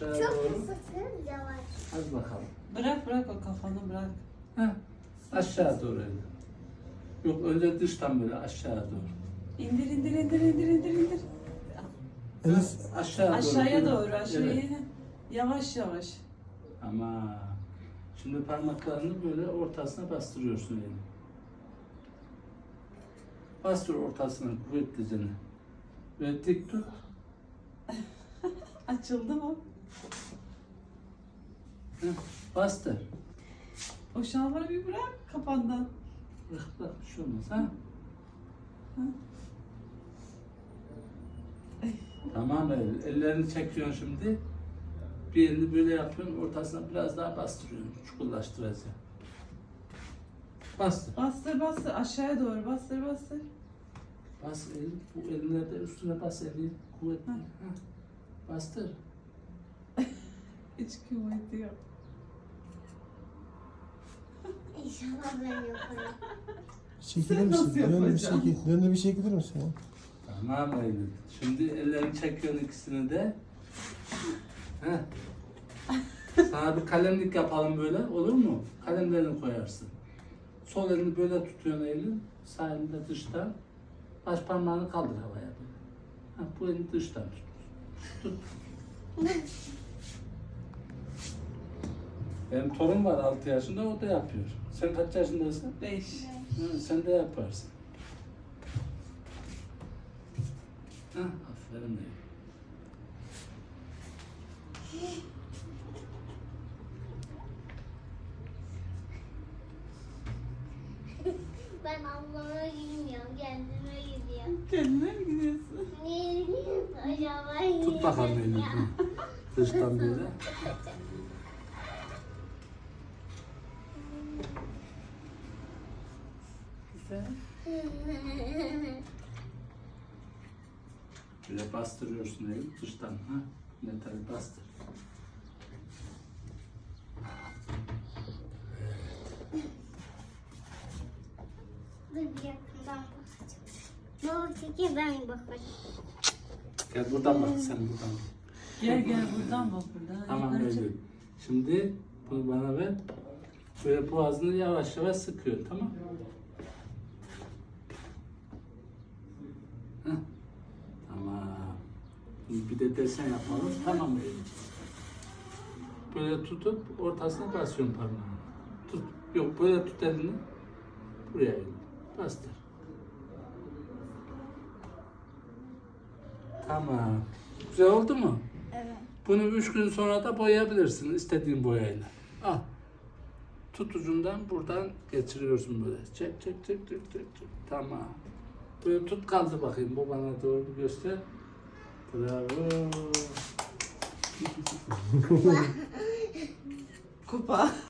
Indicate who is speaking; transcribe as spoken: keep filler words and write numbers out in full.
Speaker 1: aşağıya
Speaker 2: Çok
Speaker 1: doğru.
Speaker 2: kısıtın yavaş.
Speaker 1: Hadi bakalım.
Speaker 3: Bırak bırak o kafanı bırak.
Speaker 1: Heh. Aşağı doğru öyle. Yok önce dıştan böyle aşağı doğru.
Speaker 3: İndir indir indir indir indir indir.
Speaker 4: Enes,
Speaker 1: Aşağı doğru.
Speaker 3: Aşağıya doğru aşağıya.
Speaker 1: Evet.
Speaker 3: Yavaş yavaş.
Speaker 1: Ama şimdi parmaklarını böyle ortasına bastırıyorsun elini. Bastır ortasına kuvvetlice. Böyle dik tut.
Speaker 3: Açıldı mı?
Speaker 1: Heh. Bastır.
Speaker 3: O şalvarı bir bırak kafandan.
Speaker 1: Bırak bırak bir şey olmaz ha. Tamam el, ellerini çekiyorsun şimdi. Bir elini böyle yapıyorsun, ortasına biraz daha bastırıyorsun, çukurlaştıracaksın. Bastır.
Speaker 3: Bastır bastır aşağıya doğru bastır bastır.
Speaker 1: Bas el, bu elinle de üstüne bas eli, kuvvetli.
Speaker 3: Hı.
Speaker 1: Heh. Bastır.
Speaker 3: Hiç kuvveti yok.
Speaker 2: İnşallah ben yaparım.
Speaker 4: çekilir
Speaker 3: Sen
Speaker 4: misin?
Speaker 3: nasıl
Speaker 4: Dön bir
Speaker 3: yapacaksın?
Speaker 4: çekil. Dön bir çekilir misin ya?
Speaker 1: Tamam Eylül. Şimdi ellerini çekiyorsun ikisini de. Heh. Sana bir kalemlik yapalım böyle, olur mu? Kalemlerini koyarsın. Sol elini böyle tutuyorsun Eylül, sağ elini de dıştan. Baş parmağını kaldır havaya böyle. Ha, bu elini dıştan tut. Tut. Benim torun var altı yaşında, o da yapıyor. Sen kaç yaşındasın?
Speaker 3: Beş.
Speaker 1: Hı, sen de yaparsın. Hah, aferin Eylül.
Speaker 2: Ben ablama gülmüyorum, kendime gidiyorum.
Speaker 3: Kendine mi gidiyorsun?
Speaker 2: Niye gidiyorsun acaba?
Speaker 1: Tut bakalım Eylül. Hı. Dıştan böyle.
Speaker 3: Güzel.
Speaker 1: Böyle bastırıyorsun Eylül dıştan. Ha? Metali bastır.
Speaker 2: Dur bir yakından bakacağım. Baba çekil ben bakacağım.
Speaker 1: Gel buradan bak sen buradan bak.
Speaker 3: Gel gel buradan bak buradan.
Speaker 1: Tamam
Speaker 3: Yukarı çık.
Speaker 1: Eylül. Şimdi bunu bana ver. Böyle boğazını yavaş yavaş sıkıyor, tamam mı? Heh. Tamam. Şimdi bir de desen yapalım. Tamam Eylül. Böyle tutup ortasına basıyorsun parmağını. Tut. Yok böyle tut elini. Buraya Eylül. Bastır. Tamam. Güzel oldu mu?
Speaker 2: Evet.
Speaker 1: Bunu üç gün sonra da boyayabilirsin istediğin boyayla. Al. Tut ucundan buradan geçiriyorsun böyle. Çek çek çek çek çek çek. Tamam. Böyle tut kaldı bakayım. Bu bana doğru bir göster. Bravo.
Speaker 3: Kupa.